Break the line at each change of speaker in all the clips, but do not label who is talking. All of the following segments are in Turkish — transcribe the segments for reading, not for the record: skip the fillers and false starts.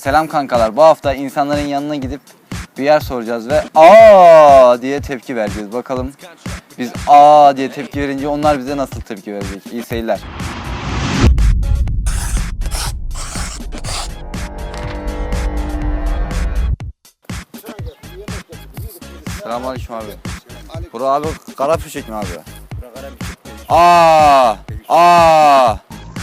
Selam kankalar. Bu hafta insanların yanına gidip bir yer soracağız ve aa diye tepki vereceğiz. Bakalım biz aa diye tepki verince onlar bize nasıl tepki verecek? İyi seyirler. Selamünaleyküm abi. Bura abi Karapüşek mi abi? Aa.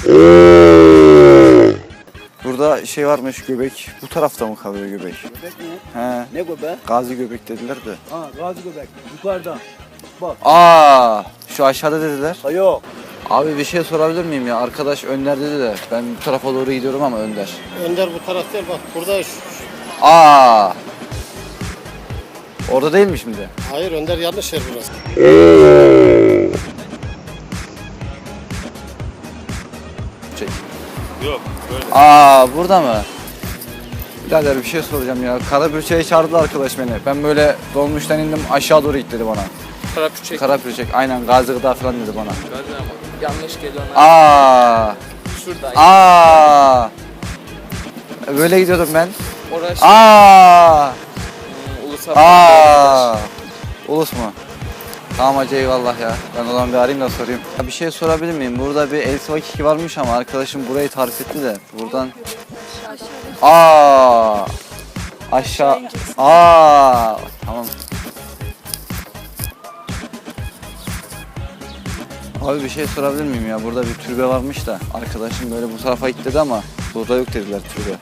Burada şey varmış, göbek. Bu tarafta mı kalıyor göbek?
Göbek mi?
He.
Ne göbek?
Gazi göbek dediler de.
Ha, gazi göbek. Yukarıda. Bak.
Şu aşağıda dediler.
Ha yok.
Abi bir şey sorabilir miyim ya? Arkadaş Önder dedi de ben bu tarafa doğru gidiyorum ama Önder.
Önder bu taraf değil, bak burada
Orada değil mi şimdi?
hayır, Önder yanlış yer burası.
Çek.
Yok böyle.
Burada mı? Birader bir şey soracağım ya. Karapürçek'e çağırdı arkadaş beni. Ben böyle dolmuştan indim aşağı doğru git dedi bana.
Karapürçek.
Karapürçek aynen Gazi Gıda falan dedi bana.
Gazi ama yanlış geliyor.
Şurada. Böyle gidiyordum ben.
Orası ulusal.
Ulus mu? Tamam hacı eyvallah ya. Ben o zaman bir arayayım da sorayım. Ya bir şey sorabilir miyim? Burada bir El Sıvakiki varmış ama arkadaşım burayı tarif etti de. Buradan aşağı. Tamam. Abi bir şey sorabilir miyim ya? Burada bir türbe varmış da arkadaşım böyle bu tarafa git dedi ama burada yok dediler türbe.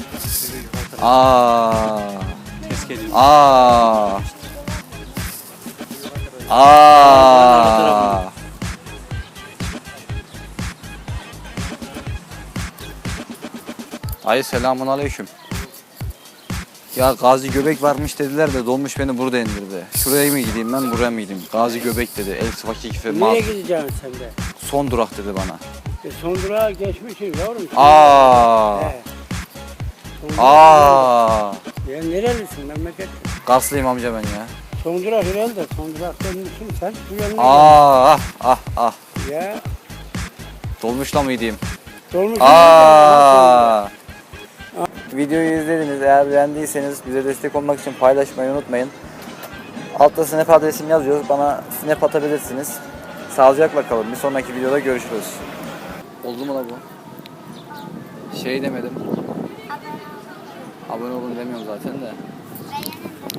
Ay selamun aleyküm. Ya Gazi Göbek varmış dediler de dolmuş beni burada indirdi. Şuraya mı gideyim ben buraya mı gideyim? Gazi Göbek dedi. El Sıvakiki falan.
Nereye gideceksin sen de?
Son durak dedi bana.
Son durağa geçmişsin yavrum. He. Son durak. Ya nerelisin memleket?
Karslıyım amca ben ya.
Son durak herhalde. Son durak dönmüşsün sen. Bu yanına gel. Ya.
Dolmuşla mı gideyim?
Dolmuş.
Videoyu izlediniz. Eğer beğendiyseniz bize destek olmak için paylaşmayı unutmayın. Altta snap adresimi yazıyoruz. Bana snap atabilirsiniz. Sağlıcakla kalın. Bir sonraki videoda görüşürüz. Oldu mu la bu? Şey demedim. Abone olun demiyorum zaten de.